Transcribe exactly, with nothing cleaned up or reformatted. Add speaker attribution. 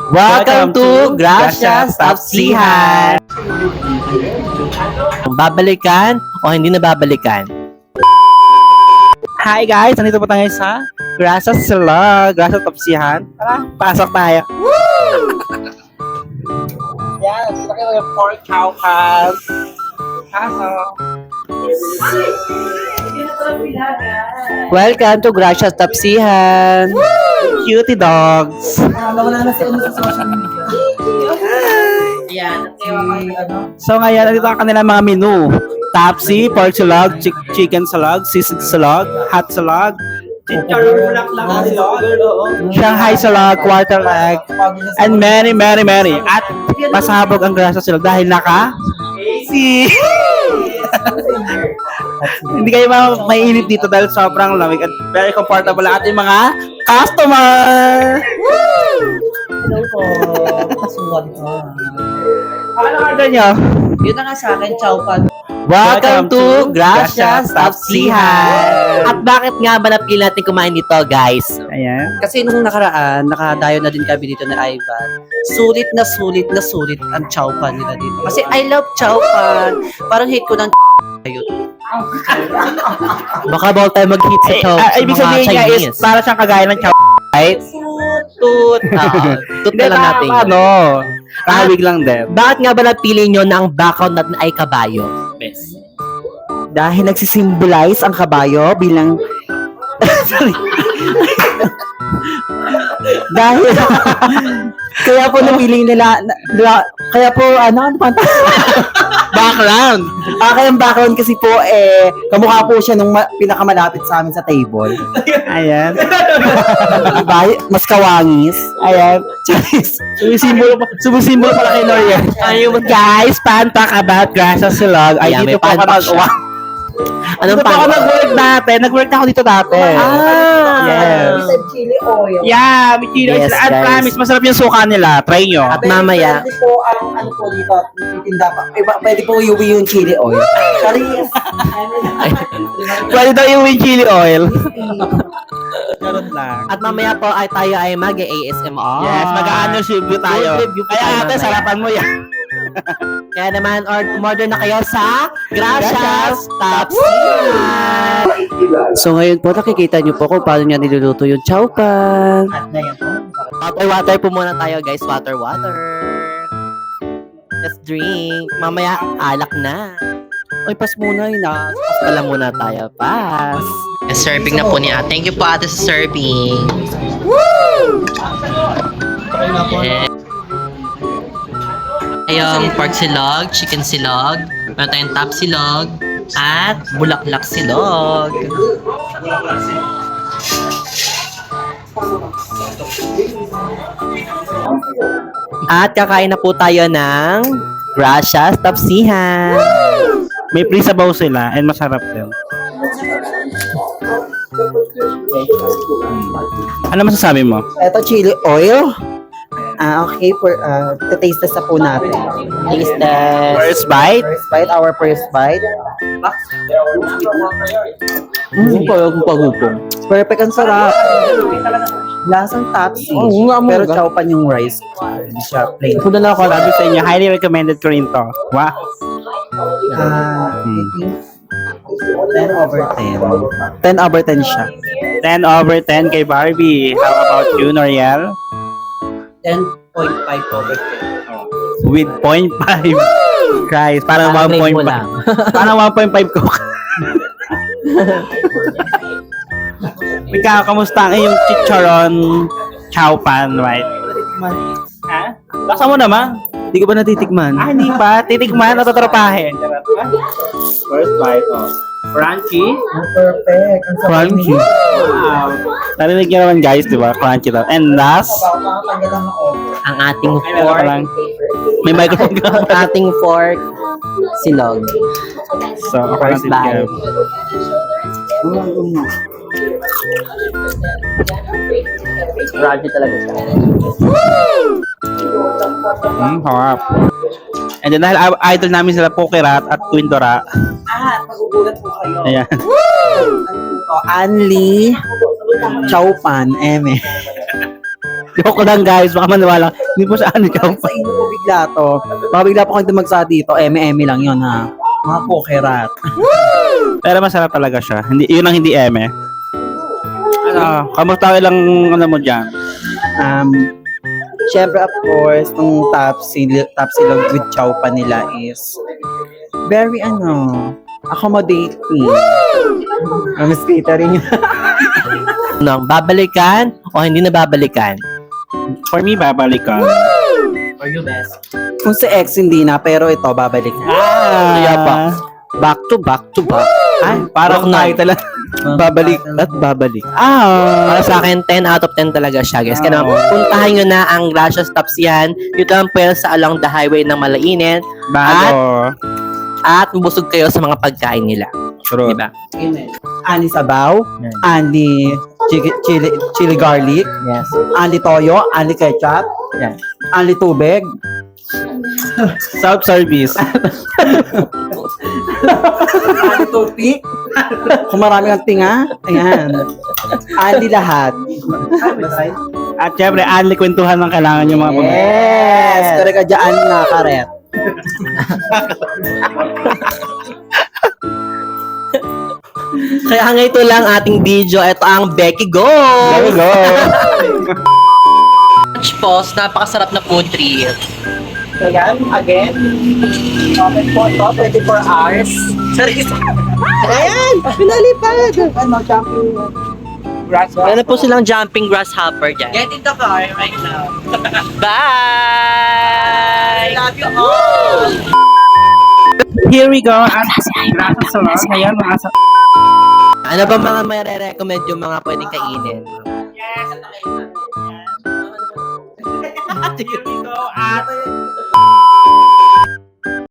Speaker 1: Welcome to Gracias Tapsihan! Babalikan o hindi na babalikan?
Speaker 2: Hi guys! Nandito po tayo sa Gracias Vlog, Gracias Tapsihan. Tara, pasok tayo! Yan, dito kayo yung pork chow pan. Pasok!
Speaker 1: Welcome to Gracias Tapsihan!
Speaker 2: Cutie dogs!
Speaker 3: Nawala na si ano sa social media.
Speaker 1: Ayan.
Speaker 2: So ngayon, nandito ang kanilang mga menu. Tapsi, pork salad, chick- chicken salad, sisig salad, hot salad, Shanghai salad, quarter leg, and many, many, many. At pasabog ang grasa sila dahil naka si hindi kayo ma- mainit dito dahil sobrang lamig at very comfortable ang ating mga customer.
Speaker 3: Hello po. Kasuwag ka.
Speaker 2: Ano order nyo?
Speaker 3: Yun na nga sa akin, chow pan.
Speaker 1: Welcome to Gracias Tapsihan! At bakit nga ba napili natin kumain dito, guys?
Speaker 2: Ayan.
Speaker 3: Kasi nung nakaraan, nakadayo na din kami dito ni Ivan. Sulit na sulit na sulit ang chow pan nila dito. Kasi I love chow pan. Parang hate ko ng yun.
Speaker 1: Baka bawal tayo mag-hit sa
Speaker 2: Eh,
Speaker 1: chow
Speaker 2: ah,
Speaker 1: sa
Speaker 2: ibig
Speaker 1: mga
Speaker 2: sabihin niya is
Speaker 1: Chinese.
Speaker 2: para siyang kagaya ng chow, right?
Speaker 1: Tut! Oo. Tut na lang natin. yun.
Speaker 2: Ano? Kahawig lang din.
Speaker 1: Bakit nga ba napili nyo na ang background natin ay kabayo?
Speaker 4: Dahil nagsisimbolize ang kabayo bilang sorry. Dahil kaya po napili nila, na- nila- kaya po ano ano pa
Speaker 2: Background.
Speaker 4: ah, kaya ang background kasi po eh kamukha po siya nung ma- pinakamalapit sa amin sa table.
Speaker 2: Ayan.
Speaker 4: Diba? Mas kawangis.
Speaker 2: Ayan.
Speaker 4: Charis.
Speaker 2: Sumisimbolo pa, sumisimbolo pala kay Noriel.
Speaker 1: Ayun,
Speaker 2: Guys, fun fact about Gracias Silog. Ay,
Speaker 1: Ayan,
Speaker 2: dito
Speaker 1: may
Speaker 2: po ako
Speaker 1: fun fact
Speaker 2: nag-
Speaker 1: siya. Anong
Speaker 2: Dito po ako
Speaker 1: pan?
Speaker 2: nag-work dati. Nag-work na ako dito dati.
Speaker 1: Ah!
Speaker 2: Yes.
Speaker 4: Chili oil.
Speaker 2: Yeah, may chili.
Speaker 1: Yes,
Speaker 2: At
Speaker 1: guys.
Speaker 2: promise, masarap yung suka nila. Try nyo.
Speaker 1: At mamaya,
Speaker 4: Pwede po ang ano po dito, titinda pa. Eh, ba- Pwede po iuwi yung chili oil. Charis.
Speaker 2: Pwede daw yung with chili oil. Charot lang.
Speaker 1: at mamaya po ay tayo ay mag-A S M R.
Speaker 2: Yes, mag-ano review tayo.
Speaker 1: Food review po
Speaker 2: Kaya
Speaker 1: tayo
Speaker 2: ate,
Speaker 1: mamaya.
Speaker 2: sarapan mo yan.
Speaker 1: Kaya naman, or- umorder na kayo sa Gracias Tapsihan!
Speaker 3: So ngayon po, nakikita niyo po kung paano niya niluluto yung chow pan.
Speaker 4: At na yan po.
Speaker 1: Water, water po muna tayo, guys. Water, water. Let's drink. Mamaya, alak na.
Speaker 3: Ay, pas muna yun ah.
Speaker 1: Pas pala muna tayo. Pas. Serving na po ni ate. Thank you po ate sa serving. Woo! Yeah. Ayong pork silog, chicken silog, meron tayong top silog, at bulaklak silog. At kakain na po tayo ng Gracias Tapsihan.
Speaker 2: May free sabaw sila and masarap din. Ano masasabi mo?
Speaker 4: Ito chili oil. Ah, okay, for uh, taste test na po natin.
Speaker 1: Taste test.
Speaker 2: First bite?
Speaker 4: First bite, our first bite.
Speaker 3: Mm, parang pagupong.
Speaker 4: Perfect, ang sarap. Lasang tapsi.
Speaker 3: Oo nga,
Speaker 4: Pero
Speaker 3: mga.
Speaker 4: chow pan yung rice. Hindi siya plain.
Speaker 2: Kung na ako, sabi sa inyo, highly recommended ko rin to. Wow.
Speaker 4: Ah,
Speaker 2: Hmm.
Speaker 4: I think ten over ten. ten over ten siya.
Speaker 2: ten over ten kay Barbie. How about you, Noriel?
Speaker 3: ten point five over ten.
Speaker 2: With zero point five. Guys, parang
Speaker 1: Parang
Speaker 2: one
Speaker 1: grade
Speaker 2: point
Speaker 1: mo
Speaker 2: five.
Speaker 1: lang.
Speaker 2: Parang one point five ko. Ikaw, kamusta ang iyong chicharon chow pan, right? Ha? Basa mo naman.
Speaker 4: Hindi ko ba natitikman?
Speaker 2: Ah, hindi pa. Titikman at tatrapahin. First bite, oh. Crunchy.
Speaker 4: Perfect. Ang sarap
Speaker 2: Crunchy.
Speaker 4: niya.
Speaker 2: Wow. Narinig niyo naman guys, di ba? Crunchy daw. And last,
Speaker 4: Tanggal lang ako.
Speaker 1: Ang ating
Speaker 2: ay, meron ka
Speaker 1: fork,
Speaker 2: lang. May microphone ka.
Speaker 1: ating fork, silog.
Speaker 2: So, ako lang
Speaker 1: First bite.
Speaker 2: titigyan.
Speaker 1: Crunchy talaga siya.
Speaker 2: Hmm, harap. And then dahil i- idol namin sila Pokerat at Quindora.
Speaker 4: Ah, magugulat po kayo.
Speaker 2: Ayan.
Speaker 4: Ano po to? Anli Chow Pan, eme.
Speaker 2: Joke lang guys, baka maniwala. Hindi po sa ano chow
Speaker 4: Sa inyo po bigla to. Baka bigla po kayo dumagsa dito. Eme-eme lang yun ha. Mga pokerat.
Speaker 2: Pero masarap talaga siya. Hindi, yun ang hindi eme. Ano, kamusta ilang ano mo dyan?
Speaker 4: Um, Siyempre, of course, nung top silog, top silog with chow pa nila is very, ano, accommodating. Um, Miss catering.
Speaker 1: Ano, babalikan o hindi na babalikan?
Speaker 2: For me, babalik ka.
Speaker 4: Kung si ex hindi na, pero ito, babalik na.
Speaker 2: Ah,
Speaker 1: Kaya pa. Back to back to back.
Speaker 2: Ay, parang
Speaker 1: Rock na.
Speaker 2: tayo talaga. Babalik at babalik.
Speaker 1: Para
Speaker 2: Ah,
Speaker 1: sa akin, ten out of ten talaga siya, guys. Kaya naman,
Speaker 2: Ah.
Speaker 1: puntahan nyo na ang Gracias Stops yan. Dito lang po yan sa along the highway ng Malainen.
Speaker 2: bago.
Speaker 1: At busog kayo sa mga pagkain nila.
Speaker 2: True.
Speaker 1: Diba?
Speaker 4: Ani sabaw, ani chili, chili, chili garlic,
Speaker 1: Yes.
Speaker 4: ani toyo, ani ketchup,
Speaker 1: Yan.
Speaker 4: ani tubig,
Speaker 2: Self-service.
Speaker 4: ani toothpick. Kung marami kang tinga, ayan. Ani lahat.
Speaker 2: At syempre, anli kwentuhan ng kailangan yung mga pamilya.
Speaker 4: Yes! Kaya ka dyan na karet.
Speaker 1: Kaya nga ito lang ating video. Ito ang Becky Go!
Speaker 2: There we go.
Speaker 1: Lunch Pause, napakasarap na food trip.
Speaker 4: So yan, again, open po ito, twenty-four hours. Sorry,
Speaker 1: Ayan! Pinalipad!
Speaker 4: ano, jumping grass.
Speaker 1: Meron po silang jumping grasshopper dyan.
Speaker 3: Get in the car right now.
Speaker 1: Bye!
Speaker 3: Love you all!
Speaker 2: Here we go. At gracias sa mga ngayon, mga sa...
Speaker 1: Ano ba mga may re-recommend yung mga pwedeng kainin?
Speaker 2: Here we go. At